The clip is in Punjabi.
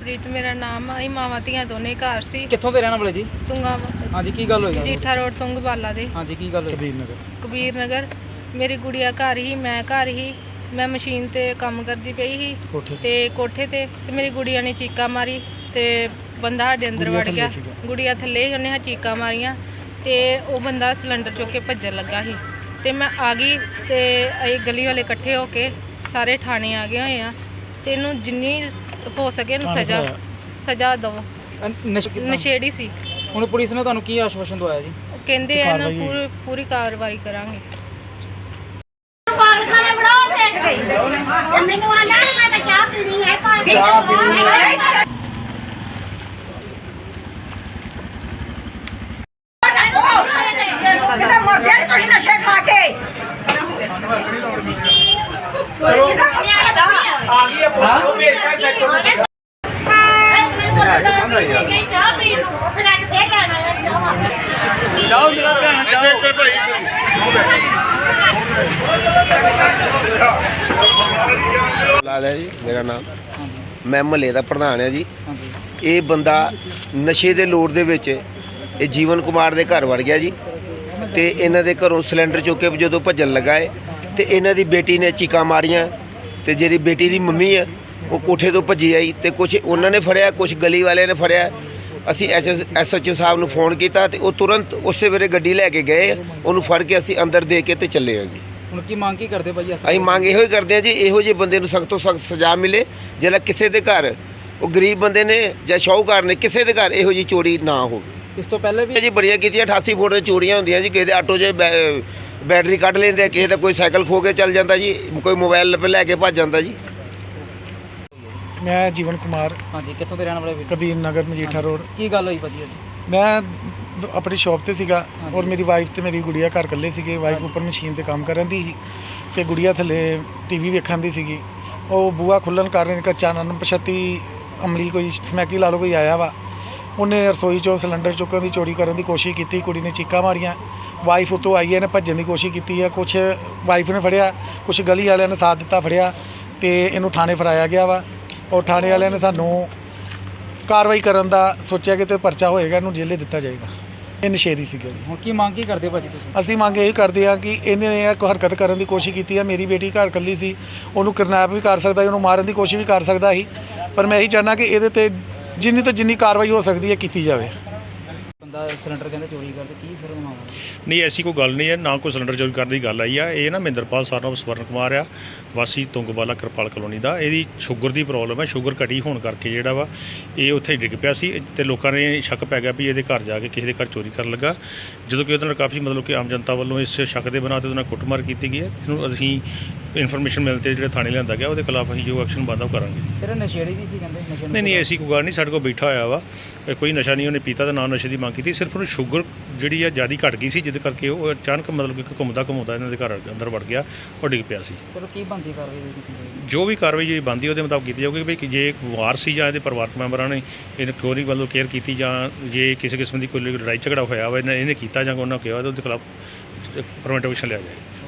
ਜਸਪ੍ਰੀਤ ਮੇਰਾ ਨਾਮ ਆ। ਅਸੀਂ ਮਾਵਾਂ ਧੀਆਂ ਦੋਨੇ ਘਰ ਸੀ। ਕਿੱਥੋਂ ਦੇ ਰਹਿਣ ਵਾਲੇ ਜੀ? ਤੁੰਗਾ ਹਾਂਜੀ, ਕੀ ਗੱਲ ਹੋਈ? ਜੀਠਾ ਰੋਡ ਤੁੰਗਵਾਲਾ ਦੇ। ਹਾਂਜੀ, ਕੀ ਗੱਲ ਹੋਈ? ਕਬੀਰ ਨਗਰ। ਮੇਰੀ ਗੁੜੀਆ ਘਰ ਹੀ, ਮੈਂ ਘਰ ਹੀ। ਮੈਂ ਮਸ਼ੀਨ ਤੇ ਕੰਮ ਕਰਦੀ ਪਈ ਸੀ ਤੇ ਕੋਠੇ ਤੇ ਮੇਰੀ ਗੁੜੀਆ ਨੇ ਚੀਕਾਂ ਮਾਰੀ ਤੇ ਬੰਦਾ ਸਾਡੇ ਅੰਦਰ ਵੜ ਗਿਆ। ਗੁੜੀਆ ਥੱਲੇ ਹੀ, ਉਹਨੇ ਚੀਕਾਂ ਮਾਰੀਆਂ ਤੇ ਉਹ ਬੰਦਾ ਸਿਲੰਡਰ ਚੁੱਕ ਕੇ ਭੱਜਣ ਲੱਗਾ ਸੀ ਤੇ ਮੈਂ ਆ ਗਈ ਤੇ ਅਸੀਂ ਗਲੀ ਵਾਲੇ ਇਕੱਠੇ ਹੋ ਕੇ ਸਾਰੇ ਥਾਣੇ ਆ ਗਏ ਹੋਏ ਆ ਤੇ ਇਹਨੂੰ ਜਿੰਨੀ ਹੋ ਸਕੇ ਇਹਨੂੰ ਸਜ਼ਾ ਦਿਓ। ਨਸ਼ੇੜੀ ਸੀ। ਹੁਣ ਪੁਲਿਸ ਨੇ ਤੁਹਾਨੂੰ ਕੀ ਆਸ਼ਵਾਸਨ ਦਵਾਇਆ ਜੀ? ਉਹ ਕਹਿੰਦੇ ਆ ਨਾ ਪੂਰੀ ਕਾਰਵਾਈ ਕਰਾਂਗੇ। ਮੈਨੂੰ ਆਣਾ ਮੈਂ ਤਾਂ ਚਾਹ ਪੀਣੀ ਹੈ। ਚਾਹ ਪੀਣੀ ਹੈ। ਕਿਤੇ ਮਰ ਜਾਏ ਤੁਸੀਂ ਨਸ਼ੇ ਖਾ ਕੇ। ਆ ਗਈ ਹੈ ਪੁਲਿਸ ਨੂੰ ਭੇਜਦਾ ਸੈਕਟਰ ਨੂੰ। ਚਾਹ ਪੀ ਲਓ ਫਿਰ ਅੱਜ ਫੇਰ ਲੈਣਾ ਹੈ ਚਾਹ। ਜਾਓ ਮੇਰਾ ਭੈਣ ਜਾਓ ਲਾਲ ਹੈ ਜੀ ਮੇਰਾ ਨਾਮ। ਮੈਂ ਮਹੱਲੇ ਦਾ ਪ੍ਰਧਾਨ ਹਾਂ ਜੀ। ਇਹ ਬੰਦਾ ਨਸ਼ੇ ਦੇ ਲੋੜ ਦੇ ਵਿੱਚ ਇਹ ਜੀਵਨ ਕੁਮਾਰ ਦੇ ਘਰ ਵੜ ਗਿਆ ਜੀ ਤੇ ਇਹਨਾਂ ਦੇ ਘਰੋਂ ਸਿਲੰਡਰ ਚੁੱਕ ਕੇ ਜਦੋਂ ਭੱਜਣ ਲੱਗਾ ਹੈ ਤੇ ਇਹਨਾਂ ਦੀ ਬੇਟੀ ਨੇ ਚੀਕਾਂ ਮਾਰੀਆਂ ਤੇ ਜਿਹੜੀ ਬੇਟੀ ਦੀ ਮੰਮੀ ਹੈ ਉਹ ਕੋਠੇ ਤੋਂ ਭੱਜੀ ਆਈ ਤੇ ਕੁਝ ਉਹਨਾਂ ਨੇ ਫੜਿਆ, ਕੁਝ ਗਲੀ ਵਾਲਿਆਂ ਨੇ ਫੜਿਆ। ਅਸੀਂ SHO ਸਾਹਿਬ ਨੂੰ ਫੋਨ ਕੀਤਾ ਤੇ ਉਹ ਤੁਰੰਤ ਉਸੇ ਵੇਲੇ ਗੱਡੀ ਲੈ ਕੇ ਗਏ। ਉਹਨੂੰ ਫੜ ਕੇ ਅਸੀਂ ਅੰਦਰ ਦੇ ਕੇ ਤੇ ਚੱਲੇ ਹਾਂ ਜੀ। ਹੁਣ ਕੀ ਮੰਗ ਕੀ ਕਰਦੇ ਭਾਈ? ਅਸੀਂ ਮੰਗ ਇਹੋ ਹੀ ਕਰਦੇ ਹਾਂ ਜੀ, ਇਹੋ ਜਿਹੇ ਬੰਦੇ ਨੂੰ ਸਖਤ ਤੋਂ ਸਖਤ ਸਜ਼ਾ ਮਿਲੇ। ਜਿਹੜਾ ਕਿਸੇ ਦੇ ਘਰ ਉਹ ਗਰੀਬ ਬੰਦੇ ਨੇ ਜਾਂ ਸ਼ਾਹੂਕਾਰ ਨੇ ਕਿਸੇ ਦੇ ਘਰ ਇਹੋ ਜਿਹੀ ਚੋਰੀ ਨਾ ਹੋਵੇ। ਇਸ ਤੋਂ ਪਹਿਲੇ ਵੀ ਜੀ ਬੜੀਆਂ ਕੀਤੀਆਂ। 88 ਫੁੱਟ ਦੇ ਚੋਰੀਆਂ ਹੁੰਦੀਆਂ ਜੀ। ਕਿਸੇ ਦੇ ਆਟੋ 'ਚ ਬੈਟਰੀ ਕੱਢ ਲੈਂਦੇ, ਕਿਸੇ ਦਾ ਕੋਈ ਸਾਈਕਲ ਖੋ ਕੇ ਚੱਲ ਜਾਂਦਾ ਜੀ, ਕੋਈ ਮੋਬਾਈਲ ਲੈ ਕੇ ਭੱਜ ਜਾਂਦਾ ਜੀ। ਮੈਂ ਜੀਵਨ ਕੁਮਾਰ। ਹਾਂਜੀ, ਕਿੱਥੋਂ ਦੇ ਰਹਿਣ ਵਾਲੇ ਵੀ? ਕਬੀਰ ਨਗਰ ਮਜੀਠਾ ਰੋਡ। ਕੀ ਗੱਲ ਹੋਈ ਭਾਜੀ? ਮੈਂ ਆਪਣੀ ਸ਼ਾਪ ਤੇ ਸੀਗਾ ਔਰ ਮੇਰੀ ਵਾਈਫ ਤੇ ਮੇਰੀ ਗੁੜੀਆ ਘਰ ਇਕੱਲੇ ਸੀਗੇ। ਵਾਈਫ ਉੱਪਰ ਮਸ਼ੀਨ ਤੇ ਕੰਮ ਕਰਨ ਦੀ ਸੀ ਤੇ ਗੁੜੀਆ ਥੱਲੇ TV ਵੇਖਣ ਦੀ ਸੀਗੀ। ਉਹ ਬੂਹਾ ਖੁੱਲ੍ਹਣ ਕਾਰਨ ਇੱਕ ਅਣਪਛਾਤੀ ਅਮਲੀ ਕੋਈ ਸਮੈਕੀ ਲਾ ਲਓ ਕੋਈ ਆਇਆ ਵਾ। ਉਹਨੇ ਰਸੋਈ 'ਚੋਂ ਸਿਲੰਡਰ ਚੁੱਕਣ ਦੀ ਚੋਰੀ ਕਰਨ ਦੀ ਕੋਸ਼ਿਸ਼ ਕੀਤੀ। ਕੁੜੀ ਨੇ ਚੀਕਾਂ ਮਾਰੀਆਂ। ਵਾਈਫ ਉੱਤੋਂ ਆਈ ਹੈ, ਇਹਨੇ ਭੱਜਣ ਦੀ ਕੋਸ਼ਿਸ਼ ਕੀਤੀ ਹੈ। ਕੁਛ ਵਾਈਫ ਨੇ ਫੜਿਆ, ਕੁਛ ਗਲੀ ਵਾਲਿਆਂ ਨੇ ਸਾਥ ਦਿੱਤਾ, ਫੜਿਆ ਤੇ ਇਹਨੂੰ ਥਾਣੇ ਫੜਾਇਆ ਗਿਆ ਵਾ। ਔਰ ਥਾਣੇ ਵਾਲਿਆਂ ਨੇ ਸਾਨੂੰ ਕਾਰਵਾਈ ਕਰਨ ਦਾ ਸੋਚਿਆ ਕਿ ਤੇ ਪਰਚਾ ਹੋਏਗਾ, ਇਹਨੂੰ ਜੇਲੇ ਦਿੱਤਾ ਜਾਏਗਾ। ਇਹ ਨਸ਼ੇੜੀ ਸੀਗਾ ਜੀ। ਹੁਣ ਕੀ ਮੰਗ ਕੀ ਕਰਦੇ ਭਾਜੀ ਤੁਸੀਂ? ਅਸੀਂ ਮੰਗ ਇਹ ਕਰਦੇ ਹਾਂ ਕਿ ਇਹਨੇ ਇਹ ਹਰਕਤ ਕਰਨ ਦੀ ਕੋਸ਼ਿਸ਼ ਕੀਤੀ ਹੈ। ਮੇਰੀ ਬੇਟੀ ਘਰ ਇਕੱਲੀ ਸੀ, ਉਹਨੂੰ ਕਿਡਨੈਪ ਵੀ ਕਰ ਸਕਦਾ ਸੀ, ਉਹਨੂੰ ਮਾਰਨ ਦੀ ਕੋਸ਼ਿਸ਼ ਵੀ ਕਰ ਸਕਦਾ ਸੀ। ਪਰ ਮੈਂ ਇਹੀ ਚਾਹੁੰਦਾ ਕਿ ਇਹਦੇ 'ਤੇ ਜਿੰਨੀ ਤੋਂ ਜਿੰਨੀ ਕਾਰਵਾਈ ਹੋ ਸਕਦੀ ਹੈ ਕੀਤੀ ਜਾਵੇ। ਬੰਦਾ ਸਿਲੰਡਰ ਕਹਿੰਦੇ ਚੋਰੀ ਕਰਦੇ, ਕੀ ਸਰ ਮਾਮਲਾ? ਨਹੀਂ, ਐਸੀ ਕੋਈ ਗੱਲ ਨਹੀਂ ਹੈ, ਨਾ ਕੋਈ ਸਿਲੰਡਰ ਚੋਰੀ ਕਰਨ ਦੀ ਗੱਲ ਆਈ ਆ। ਇਹ ਨਾ ਮਹਿੰਦਰਪਾਲ ਸਰਨਾਮ ਸਵਰਨ ਕੁਮਾਰ ਆ, ਵਾਸੀ ਤੁੰਗਵਾਲਾ ਕਿਰਪਾਲ ਕਲੋਨੀ ਦਾ। ਇਹਦੀ ਸ਼ੂਗਰ ਦੀ ਪ੍ਰੋਬਲਮ ਹੈ। ਸ਼ੂਗਰ ਘਟੀ ਹੋਣ ਕਰਕੇ ਜਿਹੜਾ ਵਾ ਇਹ ਉੱਥੇ ਡਿੱਗ ਪਿਆ ਸੀ ਤੇ ਲੋਕਾਂ ਨੇ ਸ਼ੱਕ ਪੈ ਗਿਆ ਵੀ ਇਹਦੇ ਘਰ ਜਾ ਕੇ ਕਿਸੇ ਦੇ ਘਰ ਚੋਰੀ ਕਰਨ ਲੱਗਾ। ਜਦੋਂ ਕਿ ਉਹਦੇ ਨਾਲ ਕਾਫੀ ਮਤਲਬ ਕਿ ਆਮ ਜਨਤਾ ਵੱਲੋਂ ਇਸ ਸ਼ੱਕ ਦੇ ਬਣਾ 'ਤੇ ਉਹਦੇ ਨਾਲ ਕੁੱਟਮਾਰ ਕੀਤੀ ਗਈ ਹੈ। ਇਹਨੂੰ ਅਸੀਂ ਇਨਫੋਰਮੇਸ਼ਨ ਮਿਲ 'ਤੇ ਜਿਹੜੇ ਥਾਣੇ ਲਿਆਂਦਾ ਗਿਆ ਉਹਦੇ ਖਿਲਾਫ ਅਸੀਂ ਜੋ ਐਕਸ਼ਨ ਬਣਦਾ ਉਹ ਕਰਾਂਗੇ। ਸਿਰ ਨਸ਼ੇੜੀ ਵੀ ਸੀ ਕਹਿੰਦੇ? ਨਹੀਂ, ਐਸੀ ਕੋਈ ਗੱਲ ਨਹੀਂ। ਸਾਡੇ ਕੋਲ ਬੈਠਾ ਹੋਇਆ ਵਾ, ਕੋਈ ਨਸ਼ਾ ਨਹੀਂ ਉਹਨੇ ਪੀਤਾ ਤੇ ਨਾ ਨਸ਼ੇ ਦੀ ਮੰਗ ਕੀਤੀ। ਸਿਰਫ ਉਹਨੂੰ ਸ਼ੂਗਰ ਜਿਹੜੀ ਆ ਜ਼ਿਆਦਾ ਘਟ ਗਈ ਸੀ, ਜਿਹਦੇ ਕਰਕੇ ਉਹ ਅਚਾਨਕ ਮਤਲਬ ਕਿ ਘੁੰਮਦਾ ਇਹਨਾਂ ਦੇ ਘਰ ਅੰਦਰ ਵੜ ਗਿਆ ਔਰ ਡਿੱਗ ਪਿਆ ਸੀ। ਸਰ ਕੀ ਬਣਦੀ ਕਾਰਵਾਈ? ਜੋ ਵੀ ਕਾਰਵਾਈ ਜਿਹੜੀ ਬਣਦੀ ਉਹਦੇ ਮੁਤਾਬਕ ਕੀਤੀ ਜਾਊਗੀ ਵੀ ਜੇ ਵਾਰ ਸੀ ਜਾਂ ਇਹਦੇ ਪਰਿਵਾਰਕ ਮੈਂਬਰਾਂ ਨੇ ਇਹਨੂੰ ਕਿਉਂ ਨਹੀਂ ਵੱਲੋਂ ਕੇਅਰ ਕੀਤੀ ਜਾਂ ਜੇ ਕਿਸੇ ਕਿਸਮ ਦੀ ਕੋਈ ਲੜਾਈ ਝਗੜਾ ਹੋਇਆ ਵਾ ਇਹਨੇ ਕੀਤਾ ਜਾਂ ਉਹਨਾਂ ਕਿਹਾ ਉਹਦੇ ਖਿਲਾਫ ਪ੍ਰੀਵੈਂਟਿਵ ਐਕਸ਼ਨ ਲਿਆ ਜਾਏ।